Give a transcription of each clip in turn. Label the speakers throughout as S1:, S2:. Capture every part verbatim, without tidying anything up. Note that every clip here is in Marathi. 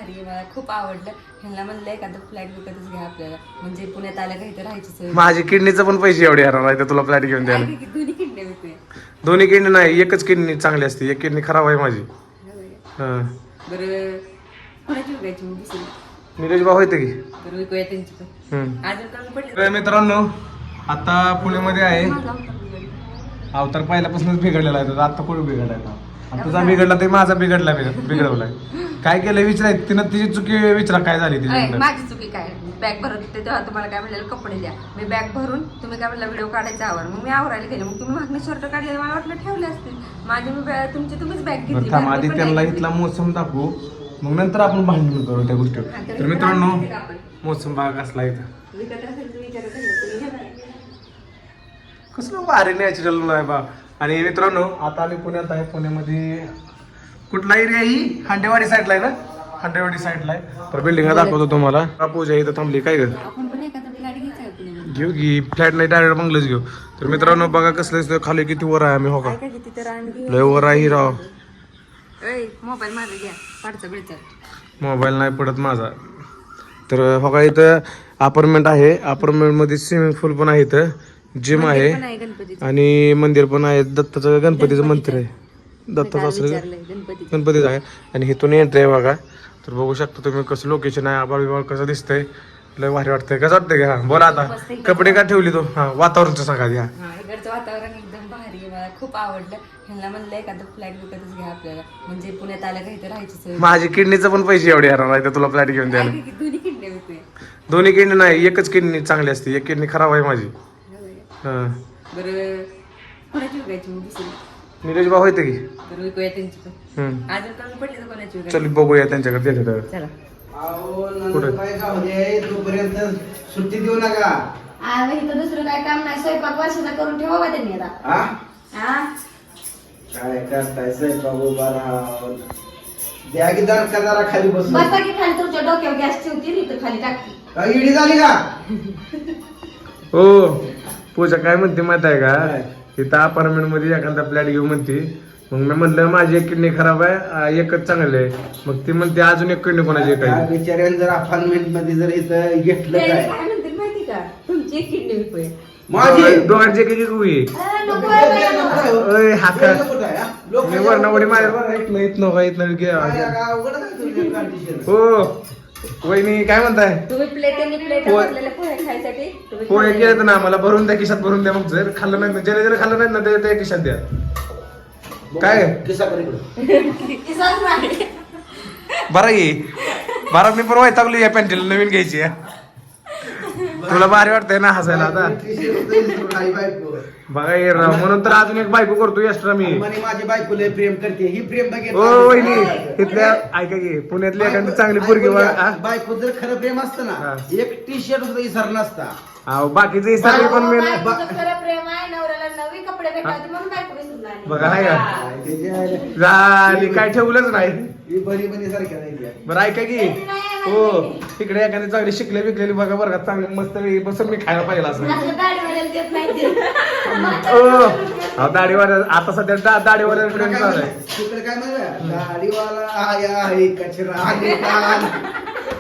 S1: भारी आहे, मला खूप आवडलं. ह्यांना म्हणलं एखादं फ्लॅट विकतच घ्या आपल्याला, म्हणजे पुण्यात आलं का इथं राहायची सोय.
S2: माझी किडनीचं पण पैसे एवढे हरणार आहे तुला फ्लॅट घेऊन द्यायला.
S1: आहे की दोन्ही किडनी विकूया.
S2: दोन्ही किडनी नाही, एकच किडनी चांगली असते, एक किडनी खराब आहे माझी. हा
S1: बरं कोणाची विकायची मग दुसरी?
S2: निलेश भाऊ होते की.
S1: बरं विकूया त्यांची पण.
S2: हम्म.
S1: अजून कमी पडले
S2: तर मित्रांनो आता पुण्यामध्ये आहे. अवतार पहिल्यापासूनच बिघडलेला आहे तुझा, आता कोण बिघडलाय आणि तुझा बिघडला ते माझा बिघडला बिघडवलाय. काय केलं विचाराय तिनं तिची चुकी विचारा काय झाली तिची.
S1: माझी चुकी काय? बॅग भरत होते तेव्हा तुम्हाला काय म्हणलेलं कपडे द्या, मी बॅग भरून तुम्ही काय म्हणलं व्हिडिओ काढायचा आवर, मग मी आवरायला गेले, मग तुम्ही मागणी शर्ट काढले मला वाटलं ठेवले असतील माझे, मी बॅग तुमची तुम्हीच बॅग घेतली.
S2: थांब आधी त्यांना इथला मोसम दाखवू मग नंतर आपण भांडण करू त्या गोष्टीवर. तर मित्रांनो मोसम बाग असला इथं कसलं भारी नॅचरल आहे बा. आणि मित्रांनो आता आम्ही पुण्यात आहे. पुण्यामध्ये कुठला एरिया ही हांडेवाडी साईडला आहे ना, हांडेवाडी साईडला आहे. तर बिल्डिंग दाखवतो तुम्हाला. पूजा इथं थांबली काय ग,
S1: आपण पण एखादा फ्लॅट घ्यायचा आहे पुण्यामध्ये.
S2: घेऊ की फ्लॅट नाही डायरेक्ट बंगलच घेऊ. तर मित्रांनो बघा कसलं दिसतं खाली किती वर आहे आम्ही. हो का
S1: तिथे रान
S2: लय वर आहे राव.
S1: मोबाईल माझा घ्या पाडचा बिडचा.
S2: मोबाईल नाही पडत माझा. तर हो का इथं अपार्टमेंट आहे. अपार्टमेंट मध्ये स्विमिंग पूल पण आहे, इथं जिम आहे आणि मंदिर पण आहे. दत्ताचं गणपतीचं मंदिर आहे, दत्ताचं असं गणपतीचं आहे. आणि इथून एंट्री आहे बघा. तर बघू शकता तुम्ही कसं लोकेशन आहे. आबाळ बिबाळ कसं दिसतंय, लय भारी वाटतंय. कसं वाटतंय का? बोला आता कपडे का ठेवली तो? हा वातावरणचं सांगा द्या.
S1: इकडचं वातावरण एकदम भारी आहे, मला खूप आवडलं. ह्यांना म्हणलं एखादं फ्लॅट विकतच घ्या आपल्याला, म्हणजे पुण्यात आलं का इथं राहायची सोय.
S2: माझी किडनीचं पण पैसे एवढे हरणार आहे तुला फ्लॅट घेऊन द्यायला.
S1: दोन्ही किडनी विकूया.
S2: दोन्ही किडनी नाही, एकच किडनी चांगली असते, एक किडनी खराब आहे माझी. हा
S1: बरं कोणाची विकायची मग दुसरी?
S2: निलेश भाऊ होते की.
S1: बरं विकूया त्यांची पण.
S2: हम्म.
S1: अजून कमी पडले तर कोणाची विकायची?
S2: चल बघूया त्यांच्याकडे त्याच्याकडे.
S1: चला
S3: तोपर्यंत सुट्टी देऊ नका.
S1: इथं दुसरं काय काम नाही, स्वयंपाक वर्षाचा करून ठेवा त्यांनी आता.
S3: हा
S1: हा
S3: काय करताय स्वयंपाक उभा राहून द्या की दर का जरा खाली बसून.
S1: बसा की खाली, तुमच्या डोक्यावर गॅस ठेवतील इथं खाली टाकली.
S3: काय इडी झाली का?
S2: हो पूजा काय म्हणते माहित आहे का, इथं अपार्टमेंट मध्ये एखादा फ्लॅट घेऊ म्हणते. मग मी म्हणलं माझी एक किडनी खराब आहे, आ, एकच चांगली आहे. मग ती म्हणते अजून एक किडनी कोणाची आहे
S3: त्या
S2: काय.
S3: बिचाऱ्याने जर अपार्टमेंट मध्ये जर इथं घेतलं
S1: ते
S3: काय
S1: काय म्हणते माहिती का, तुमची एक किडनी विकूया.
S3: माझी
S2: दोघांची एक एक होई.
S1: अं, नको आहे बाई, नको.
S2: ओय हाका
S3: कुठं आहे, हा? लोक
S2: मी वरणावडी माझ्या बरं इथनं इथनं का इथनं घे.
S3: काय अवघड आहे तुझी condition.
S2: हो वहिनी काय म्हणताय.
S1: तुम्ही प्लेट आणि प्लेट
S2: पोहे-
S1: भरलेल्या पोहे खायसाठी तुम्ही
S2: पोहे
S1: खाल्लेले.
S2: केलं ना मला भरून द्या, खिशात भरून द्या. मग जर खाल्लं नाही जर जर खाल्लं नाही ना ते त्या खिशात द्या. काय
S3: किस्सा कर इकडं.
S1: किसाच नाही.
S2: बरं ये बरं मी पण वैतागली या पॅन्टीला नवीन घ्यायची आहे. तुला भारी वाटतंय ना हसायला आता.
S3: T-shirt होतं इथून आई बायको.
S2: बघा ये राव, म्हणून तर अजून एक बायको करतो एक्स्ट्रा मी.
S3: म्हणे माझी बायको लय प्रेम करते, ही प्रेम बघितलं.
S2: ओ वहिनी इथल्या ऐका की पुण्यातली एखादी चांगली पोरगी बघा. आ?
S3: बायको जर खरं प्रेम असतं
S2: हा.
S3: ना, एक टी शर्ट सुद्धा इसर नसता.
S2: अहो बाकीचे सगळे पण मी
S1: बायकोचं खरं प्रेम आहे, नवऱ्याला नवी कपडे भेटावे म्हणून बायको विसरून राहिली.
S2: बघा हाय का
S3: काय त्याची आहे.
S2: झाली काय ठेवलंच नाही.
S3: ही बरी बरी सारख्या नाही त्या.
S2: बरं ऐका की हो तिकडे एखादी चांगली शिकले विकलेली बघा बरं का, चांगली मस्त वेळी बसून मी खायला पाहिजे असं.
S1: असं दाढीवाल्याला देत नाही ते.
S2: ओ अहो दाढीवाल्या आता सध्या दा- दाढीवाल्या
S3: तिकडे काय
S2: चालू आहे.
S3: म्हणलं? तिकडे काय म्हणलं? गाडीवाला आया आहे कचरा आहे का?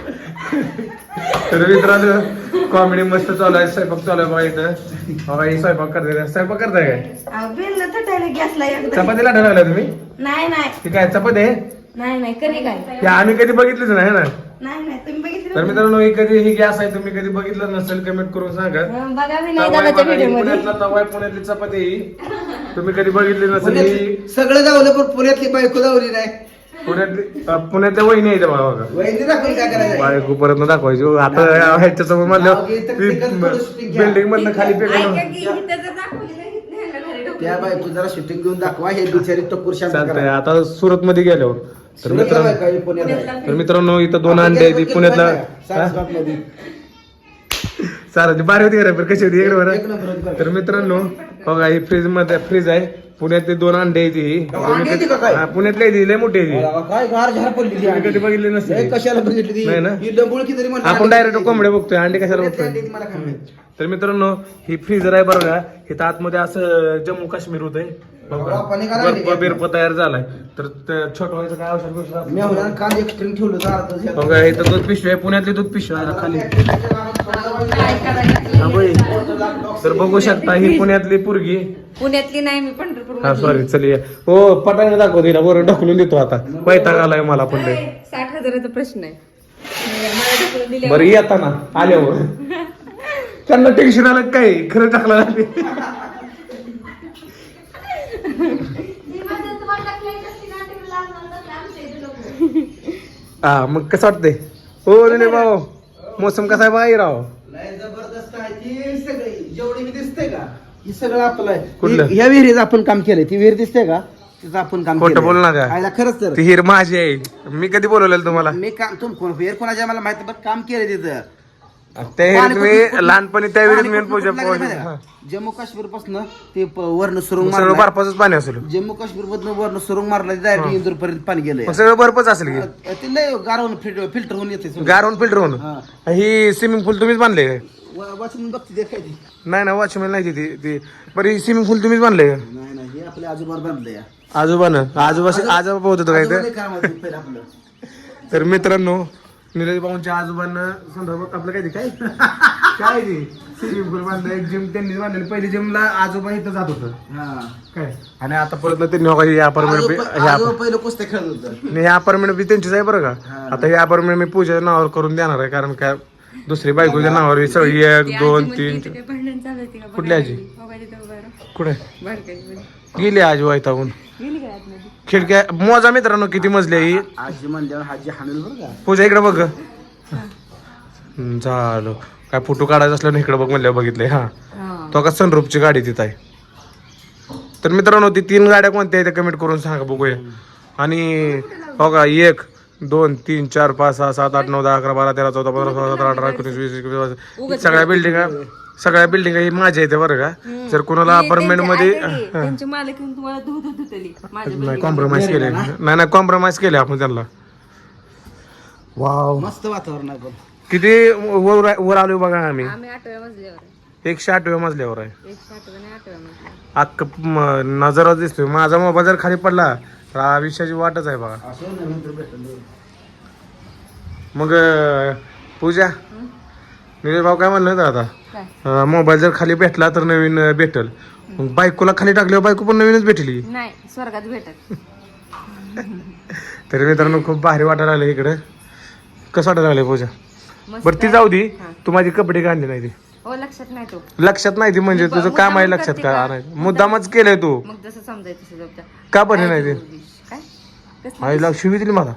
S2: तर मित्रांनो कॉमेडी मस्त चालू आहे. स्वयंपाक चालू आहे बघा इथं. बघा ही स्वयंपाक करते. स्वयंपाक करताय काय?
S1: अहो, बेलनं थटायला गॅसला एकदा.
S2: चपातीला ठरवला तुम्ही?
S1: नाही नाही
S2: ती काय चपाती आहे?
S1: नाही नाही कधी काय
S2: ते आम्ही कधी बघितलीच नाही ना.
S1: नाही नाही तुम्ही बघितलं
S2: तर मित्रांनो ही कधी ही गॅस आहे तुम्ही कधी बघितलं नसेल कमेंट करून सांगा.
S1: हं, बघा मी नाही
S2: तवा आहे
S1: दादाच्या
S2: बघा, ही
S1: व्हिडिओ मध्ये.
S2: पुण्यातला तवा आहे, पुण्यातली चपाती ही. तुम्ही कधी बघितली नसेल ही
S3: पुण्यात सगळं जावलं पण पुण्यातली बायको जावली नाही.
S2: पुण्यातली अं, पुण्यातल्या वहिनी आहे इथं बघा बघा.
S3: वहिनी दाखवली काय करायचं?
S2: बायको परत दाखवायची हो. आता ह्याच्या समोर म्हणलं बिल्डिंग मधनं खाली
S1: ऐका
S2: फेकलं.
S1: की इथं जर दाखवली नाही, इथनं ह्यांना घरी ढकलून.
S3: त्या बायको जरा शूटिंग घेऊन दाखवा, हे बिचारी टक्कर शांत
S2: चालतंय
S3: करा.
S2: आता सुरत मध्ये गेल्यावर तर
S3: सुरतला
S2: मित्रांनो
S3: बायको आहे, पुण्यात आहे.
S2: तर मित्रांनो इथं दोन अंडे आहेत. पुण्यातला
S3: सारस्वतमध्ये.
S2: चालेल बारी होती का कशी होती इकडे
S3: एक
S2: बरं.
S3: नंबर होती बरं.
S2: तर मित्रांनो बघा ही फ्रीज मध्ये फ्रीज आहे. पुण्यातले दोन अंडे आहेत ही.
S3: अंडे आहेत का काय?
S2: हा, पुण्यातली आहे ती, लय मोठी आहे ती.
S3: अरे काय गार झार पडली ती
S2: तुम्ही
S3: अंडी.
S2: कधी बघितली नसते
S3: लय कशाला बघितली ती?
S2: नाही ना?
S3: ही डंबुळकी तरी म्हणलं
S2: आपण
S3: अंडी
S2: डायरेक्ट
S3: किती
S2: कोंबड्या बघतोय, अंडे कशाला
S3: पुण्यातली
S2: बघतोय.
S3: अंडी मला काय माहित.
S2: तर मित्रांनो ही फ्रीजर आहे बरं का. इथं आतमध्ये असं जम्मू काश्मीर होतंय.
S3: बापा निघाला लागले.
S2: बर्फ बिर्फ तयार झालाय तर छोट व्हायचं काय औषध बिषध
S3: मी
S2: असलं?
S3: म्हणून काल एक्स्ट्रीम ठेवलं दारातच.
S2: बघा इथं दूध पिशवी आहे, पुण्यातली दूध पिशवी आहे खाली.
S1: काय करायचं?
S2: हा, बाई. तर बघू शकता ही पुण्यातली पोरगी.
S1: पुण्यातली नाही मी पंढरपूर
S2: हा सॉरी चल ये. हो पटाने दाखव तिला बरं ढकलून देतो आता. वैताग आलाय मला पण लय.
S1: साठ हजाराचा प्रश्न आहे मला ढकलून दिले.
S2: बरं येताना आल्यावर त्यांना टेन्शन आलं काय खरं टाकलं लागले. हा मग कसं वाटतंय हो नाही भाऊ मोसम कसा आहे बाई राव.
S3: लय जबरदस्त आहे ती सगळी जेवढी मी दिसते का ही सगळं आपलं आहे.
S2: कुठलं?
S3: ह्या विहिरीत आपण काम केलंय. ती विहीर दिसते का तिथं आपण काम
S2: खोटं
S3: केलंय.
S2: बोलू नका.
S3: आयला खरंच तर
S2: ती हिर माझी आहे. मी कधी बोलवलेलं तुम्हाला
S3: मी काम तुम कोण विहीर कोणाच्या मला माहिती पण काम केलंय तिथं.
S2: त्या हिरीत मी लहानपणी त्या विहिरीत मी
S3: पाणी
S2: पूजा
S3: कुठं लागलं माहिती आहे का? जम्मू काश्मीर पासून ते प- वर्ण सुरुंग
S2: सगळं
S3: मारलं.
S2: बर्फाचंच पाणी असेल.
S3: जम्मू काश्मीर मधनं वर्ण सुरुंग मारला डायरेक्ट इंदूर पर्यंत पाणी गेलंय.
S2: मग सगळं बर्फच असेल की
S3: ते लय गारवून फिल्टर होऊन येते सगळं.
S2: गारवून फिल्टर होऊन.
S3: हा.
S2: ही स्विमिंग पूल तुम्हीच बांधले काय?
S3: वा- वाचून बघते ते काय ते.
S2: नाही ना वॉचमॅन नाही ती ती बरं ही स्विमिंग पूल तुम्हीच बांधले का?
S3: नाही नाही हे आपल्या आजोबावर बांधलंय.
S2: आजोबानं आजोबा आजोबा पोहत होतं काय
S3: आजोबा
S2: ते.
S3: लय कामाचं पहिलं आपलं.
S2: तर मित्रांनो निलेश भाऊंच्या आजोबांना संदर्भात आपलं काय ते काय काय ते स्विमिंग पूल बांधलं एक जिम त्यांनी बांधलेली. पहिली जिमला आजोबा इथं जात होतं
S3: हा.
S2: काय आणि आता परत ना त्यांनी बघा हे अपार्टमेंट
S3: आजोबा आजोबा पहिलं कुस्त्या खेळत होतं.
S2: हे अपार्टमेंट बी त्यांचीच आहे बरं का.
S3: हा.
S2: आता हे अपार्टमेंट मी पूजेच्या नावावर करून देणार आहे कारण काय दुसरी बायकोच्या नावावर ही सगळी एक दोन तीन
S1: भांडण चालू होती का?
S2: कुठली आजी?
S1: मोबाईल इथं उभा राहा.
S2: कुठे
S1: बारकाईमध्ये.
S2: गेली आजी वैतागून.
S1: गेली का आतमध्ये?
S2: खिडक्या मोजा मित्रांनो किती मजली आहे ही.
S3: आजी म्हणल्यावर आजी हाणेल बरं का.
S2: पूजा इकडे बघ हम्म, झालं काय फोटो काढायचं असलं ना इकडे बघ म्हणल्यावर बघितलंय. हा
S1: हा.
S2: तो का सनरूपची गाडी तिथं आहे. तर मित्रांनो ती तीन गाड्या कोणत्या आहेत कमेंट करून सांगा बघूया. आणि हो का एक दोन तीन चार पाच सहा सात आठ नऊ दहा अकरा बारा तेरा चौदा पंधरा सोळा सतरा अठरा एकोणीस वीस एकवीस बावीस सगळ्या बिल्डिंग सगळ्या बिल्डिंग ही माझ्या इथे बरं का. जर कोणाला अपार्टमेंट मध्ये
S1: त्यांचे- त्यांचे मालक येऊन तुम्हाला दूध दूध धुतली माझ्या
S2: नाही कॉम्प्रोमाइज केले नाही नाही कॉम्प्रोमाइज केले आपण त्यांना. वाव
S3: मस्त वातावरण आहे पण.
S2: किती वर वर आलो बघा आम्ही.
S1: आम्ही आठव्या मजल्यावर आहे.
S2: एकशे आठव्या मजल्यावर आहे.
S1: एकशे आठव्या आणि आठव्या मजल्यावर.
S2: अख्ख नजर दिसतोय. माझा मोबाईल जर खाली पडला तर आयुष्याची वाटच आहे बघा.
S3: असं नवीन तर भेटलं.
S2: मग अं, पूजा निलेश भाऊ काय म्हणलं होतं
S1: काय?
S2: आता मोबाईल जर खाली भेटला तर नवीन अं, भेटल. मग बायकोला खाली टाकल्यावर बायको पण नवीनच भेटली.
S1: नाही स्वर्गात भेटत.
S2: तरी मित्रांनो खूप भारी वाटायला लागलं इकडे. कसं वाटायला लागलं पूजा?
S1: मस्त
S2: बरं ती
S1: आहे.
S2: जाऊ दे
S1: हा.
S2: तू माझी कपडे घालली नाही ती
S1: हो लक्षात नाही तो.
S2: लक्षात नाही ती म्हणजे तुझं काम आहे लक्षात का आणायचं मुद्दामच केलंय तू
S1: मग जसं समजायचं तसं जपता.
S2: का बरं नाही ते
S1: काय? कसलं?
S2: आईला शिवी दिली मला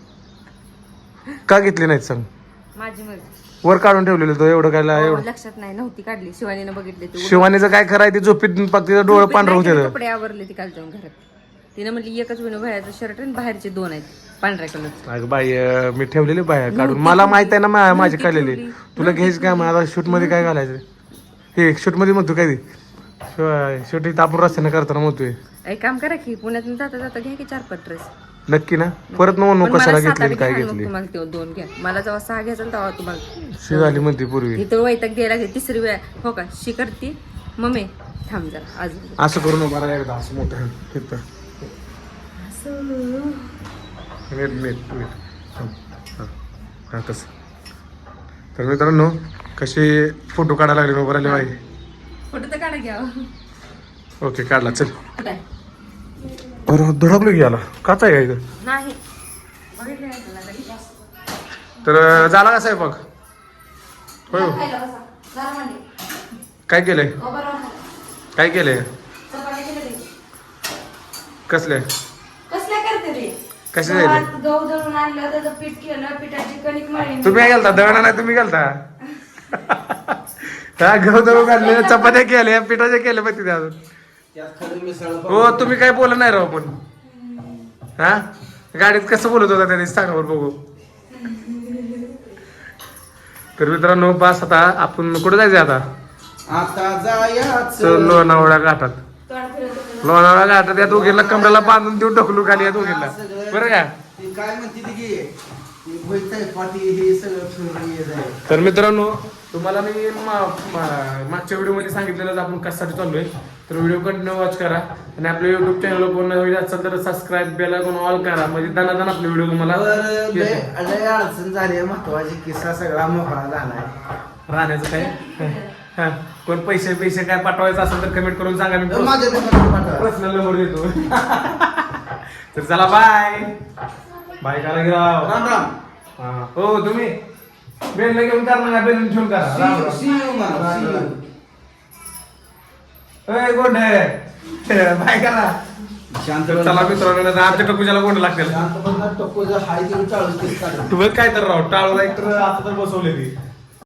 S2: का घेतली नाहीत सांग.
S1: माझी मर्जी.
S2: वर काढून ठेवलेलं तो एवढं काय
S1: हो,
S2: एवढं
S1: लक्षात नाही नव्हती काढली शिवानीनं बघितले ते.
S2: शिवानीचं काय खरंय ते झोपीत पाक तिचं डोळं पांढरं
S1: नाही, तिने
S2: होते.
S1: कपडे आवरले ती काल जाऊन घरात. तिने म्हटली एकच विनो बाहेरचं शर्ट आणि बाहेरचे दोन आहेत पांढऱ्या कलर.
S2: अगं बाई अं, मी ठेवलेली बाहेर काढून मला माहित आहे ना मा- माझी काढलेली. तुला घ्यायचं काय मला शूट मध्ये काय घालायचं हे शूट मध्ये म्हणतो काय ते शूट इथं आपण रस्त्याने करताना म्हणतोय.
S1: एक काम करा की पुण्यात जाता जाता घ्या की चार पाच ड्रेस.
S2: नक्की ना परत न म्हणू कशाला घेतली काय घेतली.
S1: तुम्हाला ते दोन घ्या. मला जेव्हा सहा घ्यायचं ना तेव्हा तुम्हाला
S2: शिवाली म्हणते पूर्वी
S1: इथं वैताग गेला की तिसरी वेळा हो का शी करते मम्मी थांब जरा अजून
S2: असं करून उभा राहा एकदा असं मोठं तिथं नीट नीट नीट हां हां हां तसं. तर मित्रांनो कशी फोटो काढायला लागले उभं राहिले बाई.
S1: फोटो तर काढा घ्या.
S2: ओके काढला चल.
S1: कुठे
S2: बरं धडकलो की याला काच आहे का इथं.
S1: नाही बघितलं नाही तुला कधी.
S2: तर झाला का स्वयंपाक होय हो.
S1: खायला बसा. जरा मांडी.
S2: काय केलंय
S1: हो, बरोबर आहे.
S2: काय केलंय
S1: चपात्या केल्या ते.
S2: कसले
S1: कसल्या करते ते
S2: कसे
S1: गव्हात
S2: झाले
S1: गहू दळून आणलं त्याचं पीठ केलं पिठाची कणिक मळली.
S2: तुम्ही काय गेलता दळणा नाही तुम्ही गेलता हा गहू दळून काढले चपात्या केल्या पिठाच्या केल्या पण तिथे अजून.
S3: त्यात खरं मिसळ
S2: हो तुम्ही काय बोलत नाही राव पण हा गाडीत कसं बोलत होता त्याने सांगा बरं बघू. तर मित्रांनो बस आता आपण कुठे जायचं आता
S3: आता जायाच
S2: चल लोणावळा घाटात.
S1: तोंड फिरवत होतं.
S2: लोणावळा घाटात या दोघीला कमरेला बांधून देऊन ढकलू खाली या दोघीला बरं का.
S3: ती काय म्हणते ती की ती भोईताई पाटी हे सगळं फिरून येत आहे.
S2: तर मित्रांनो तुम्हाला मी मा- मा- मागच्या व्हिडिओ मध्ये सांगितलेलं आपण कशासाठी चाललोय तर व्हिडिओ कंटिन्यू वॉच करा आणि आपल्या युट्यूब चॅनल पूर्ण होईल असेल तर सबस्क्राईब बेल आयकॉन ऑल करा म्हणजे दनादन आपले व्हिडिओ तुम्हाला
S3: तर लय
S2: येतील.
S3: लय अडचण झाली आहे, महत्वाची किस्सा सगळा मोकळा झालाय.
S2: राहण्याचं काय हा. कोण पैसे पैसे काय पाठवायचं असेल तर कमेंट करून सांगा मी
S3: तर माझ्या दुकानात पाठवा.
S2: पर्सनल नंबर देतो तर चला बाय बाय करा गिराव
S3: राम राम.
S2: हा. हो तुम्ही बेलला घेऊन करा ना बेलून घेऊन करा Ram Ram.
S3: See you, man.
S2: Ram
S3: See you.
S2: Ram. ए, गोंड बाय करा
S3: शांत
S2: चला मित्रांनो आमच्या टपूजाला गोंड लागतील
S3: शांत बघा, टप्पू जर हाय तेवढं चाळूस तीस काढा.
S2: तू बघ काय तर राव टाळूला एक तर आता तर बसवले ती